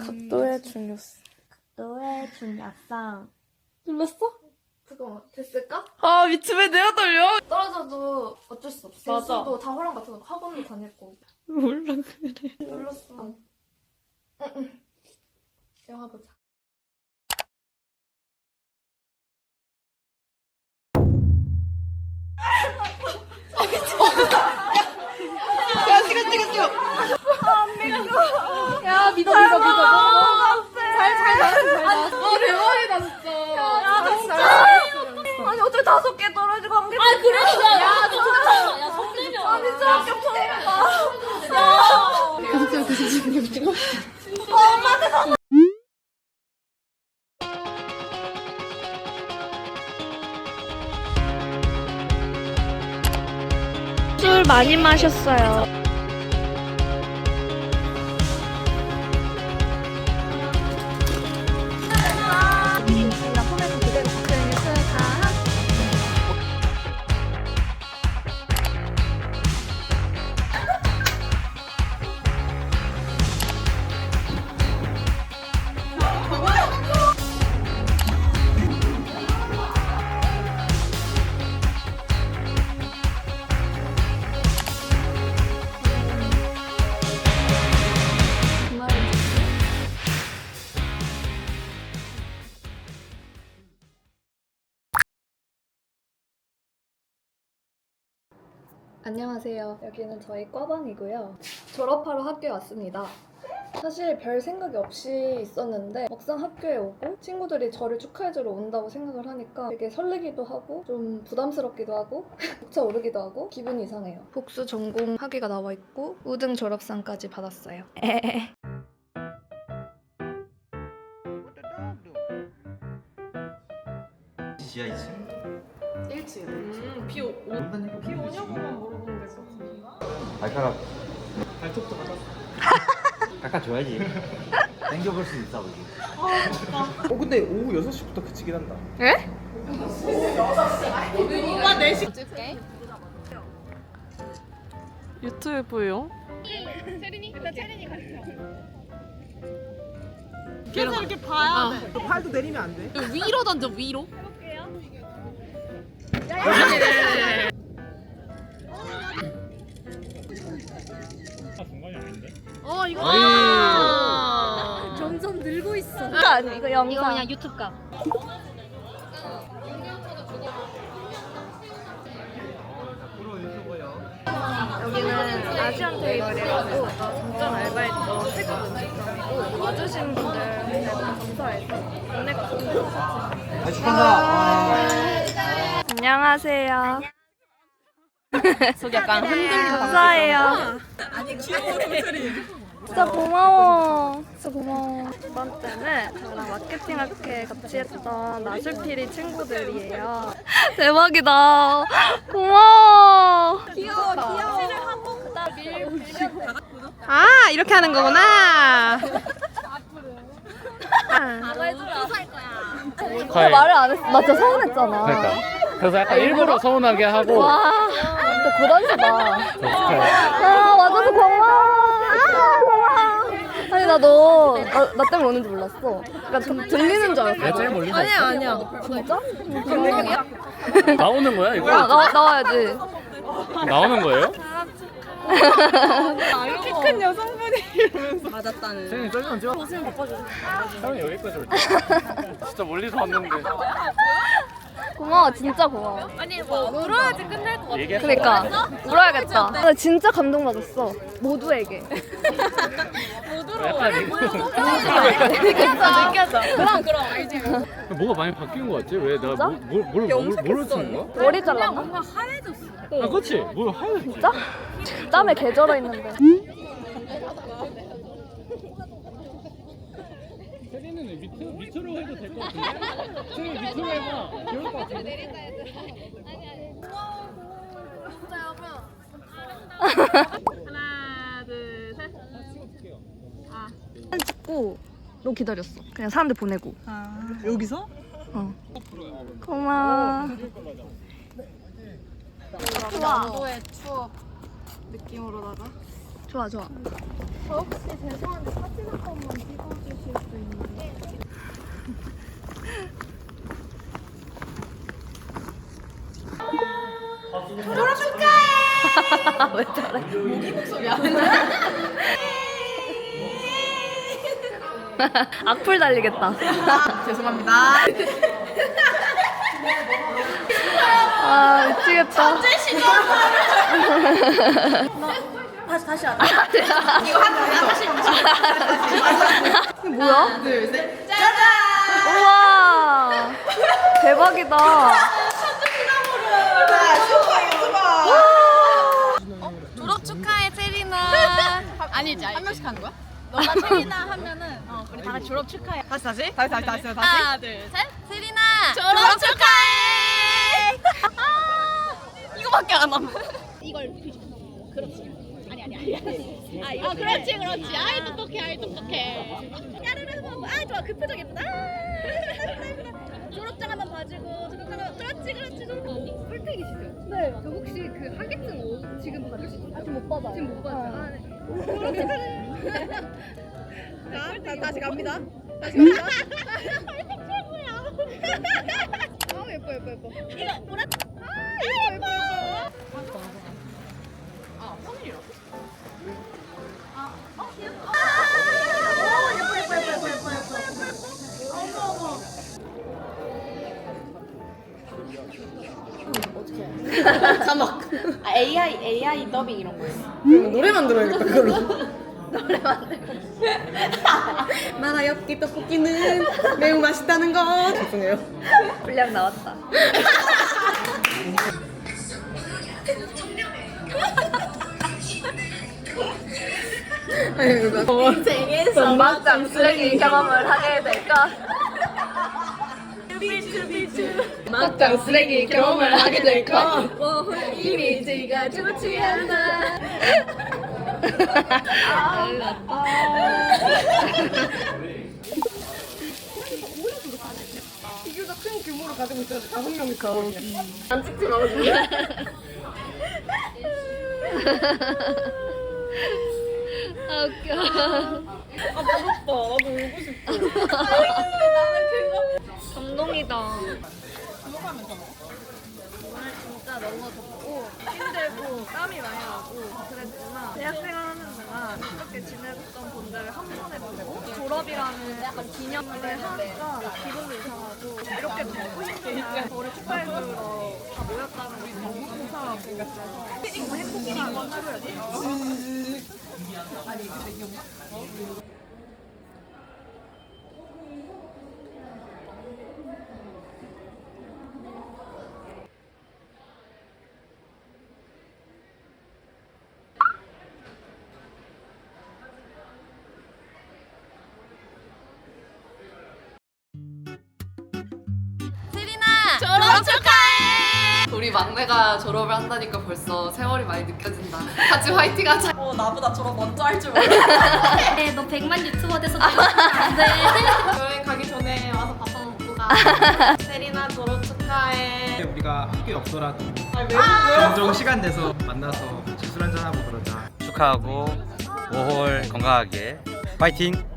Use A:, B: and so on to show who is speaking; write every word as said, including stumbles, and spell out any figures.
A: 각도의 중요성.
B: 너의 중요성.
A: 눌렀어?
B: 잠깐만, 됐을까?
A: 아 미친 왜 내가 떨려?
B: 떨어져도 어쩔 수 없어.
A: 맞아.
B: 실수도 다 허락 같은 거 학원도 다닐 거고.
A: 몰라 그래.
B: 눌렀어. 응, 응. 영화 보자.
A: 야 찍어 찍어 찍어.
B: 야, 믿어, 믿어, 믿어. 잘, 잘 나왔어, 잘 나왔어.
A: 아 대박이다 진짜.
B: 야, 진짜. 아니, 어떻게 다섯 개 떨어지고 한 개. 아, 그래? 야, 야, 진짜. 야, 손 내려. 아, 진짜 합격통이다. 야.
A: 계속 찍어 계속 찍어 계속 찍어.
B: 아, 엄마한테 다.
C: 술 많이 마셨어요.
D: 안녕하세요. 여기는 저희 과방이고요. 졸업하러 학교에 왔습니다. 사실 별 생각이 없이 있었는데 막상 학교에 오고 친구들이 저를 축하해주러 온다고 생각을 하니까 되게 설레기도 하고 좀 부담스럽기도 하고 벅차 오르기도 하고 기분이 이상해요. 복수 전공 학위가 나와 있고 우등 졸업상까지 받았어요. 에헤헤.
E: 지하 이 층?
A: 일 층. 음, 비 오, 오, 비 오냐고만 물어보면 될 것 같은데.
E: 발가락 발톱도 받았어. 깎아줘야지. 당겨볼 수 있어 보지.
F: 어 근데 오후 여섯 시부터 그치긴 한다.
D: 에?
A: 오빠 네 시. 찍게. 유튜브요? 체린이? 일단 체린이 가르쳐. 계속 이렇게 봐야 돼.
F: 팔도 내리면 안 돼.
A: 위로 던져 위로. 어 이거
E: 어이.
C: 점점 늘고 있어.
D: 아니 이거 영상.
C: 이거 그냥 유튜브 값.
D: 여기는 아시안 테이블이라고 잠깐 알바했던 태국 음식점이고 와주신 분들 대단 감사해서 안내가
E: 아 축하한다.
D: 안녕하세요.
A: 속 약간 흔들리는
D: 감사해요. 진짜 고마워. 진짜 고마워. 두 번째는 저랑 마케팅 학회 같이 했던 나술피리 친구들이에요. 대박이다. 고마워.
A: 귀여워 귀여워. 아 이렇게 하는 거구나.
D: 너 말을 안 했어. 나 진짜 서운했잖아.
G: 그러니까 그래서 약간 일부러 서운하게 하고
D: 와, 진짜 고단수다.
G: 축하해.
D: 아, 와줘서 고마워. 아, 고마워. 아니, 나 너, 나, 나 때문에 오는 줄 몰랐어. 그러니까 좀 들리는 줄 알았어.
G: 내가 제일 멀리 서
A: 아니야 아니야.
D: 진짜? 감동이야?
G: 나오는 거야 이거?
D: 아, 나, 나와야지.
G: 나오는 거예요?
A: 키 큰 여성분이 이러면서 맞았다는.
G: 선생님 썰면 찍어. 사람이 여기까지 올 때. 진짜 멀리서 왔는데.
D: 고마워, 진짜 고마워.
A: 아니 뭐 울어야지 끝날 것 같아.
G: 얘기했어.
D: 그러니까 울어야겠다. 나 진짜 감동받았어. 모두에게.
G: 약간 이거.
D: 느꼈어, 느꼈어.
A: 그럼 그럼 알지.
G: 뭐가 많이 바뀐 거 같지? 왜 내가 뭘, 뭘, 뭘, 뭘, 뭘 쓰는 거야?
D: 머리 잘랐나?
A: 뭔가 하얘졌어.
G: 아 그렇지. 뭘 하얘졌지.
D: 진짜? 땀에 개절어 있는데.
G: 세리는 밑으로, 밑으로 해도 될 것 같은데? 세리 밑으로 해봐. 귀여울 것 같은데?
A: 하나 둘 셋.
D: 사진 찍고 너 기다렸어. 그냥 사람들 보내고.
F: 여기서?
D: 어. 고마워.
A: 나도의 추억 느낌으로다가.
D: 좋아 좋아.
B: 저 혹시 죄송한데 사진 한 번만 찍어주실 수 있나요? 졸업 축하해!
D: 왜 저래?
A: 모기 목소리 안
D: 악플 달리겠다.
A: 죄송합니다.
D: 아 미치겠다.
B: 다시 다시 하자.
A: 이거 하나 다시
D: 이게 뭐야?
A: 둘, 셋.
D: 우와 대박이다.
B: 졸업 축하해 세리나.
A: 아니지, 한 명씩 하는 거야?
B: 너가 세리나 하면은 어, 우리 다 같이 졸업 축하해.
A: 다시 다시? 다시 다시 다시 다시.
B: 하나 둘 셋. 세리나 졸업 축하해. 아, 이거밖에 안 남아. 이걸 그렇지. 아니 아니 아니 아니. 아 이거 그렇지 그렇지. 아이 똑똑해 아이 똑똑해. 야르르 하고 아 좋아 그 표정 예쁘다. 아, 졸업장 한번 봐주고 졸업장 한번 그렇지 그렇지 졸업. 꿀택이시죠? 네. 저 혹시 그 하객증 오- 지금 받을 수 있어요? 아직 못 받아요. 지금 못 받아요. 아, 네. 자, 다, 다시 갑니다. 다시 갑니다. 최고야. 아 예뻐 예뻐 예뻐. 이거 보라. 아 예뻐 예뻐.
A: 아, 선일이라고?
B: 자막. 아 에이아이 에이아이 더빙 이런 거.
A: 그러면 노래 만들어야겠다, 그걸로.
B: 노래 만들고.
A: 마라 엽기 떡볶이는 매우 맛있다는 거. 죄송해요.
D: 분량 나왔다.
B: 인생에서
D: 막장 쓰레기 경험을 하게 될까? 막장 쓰레기 경험을 하게 될까? 이미지가 좋지 않아.
A: 비교적 큰 규모를 가지고 있어서 다섯 명이 가거든요.
D: 안 찍지 말아줄래? 아 웃겨.
A: 아, 무섭다. 나도 울고 싶어.
D: 감동이다.
A: 넘어가면 더 먹어.
D: 오늘 진짜 너무 덥고 힘들고 땀이 많이 나고 그랬지만 대학생활 하는 동안 이렇게 지냈던 분들을 한 번에 보고 졸업이라는 약간 기념을 하니까 기분도 이상하고 이렇게 먹고 싶으면 저를 축하해주러 다 모였다는 게 너무 감사하고 너무 행복한 하루였어요.
B: 세리나 졸업 축하해. 우리 막내가 졸업을 한다니까 벌써 세월이 많이 느껴진다. 같이 화이팅하자.
A: 어, 나보다 저런 먼저 할 줄 몰라.
B: 네, 너 백만 유튜버 돼서 안 돼.
A: 여행 가기 전에 와서 밥 한번 먹고 가. 세리나 졸업 축하해.
F: 우리가 학교에 없더라도
A: 아니, 왜, 왜?
F: 종종 시간 내서 만나서 같이 술 한잔하고 그러자.
E: 축하하고 오월 건강하게 파이팅.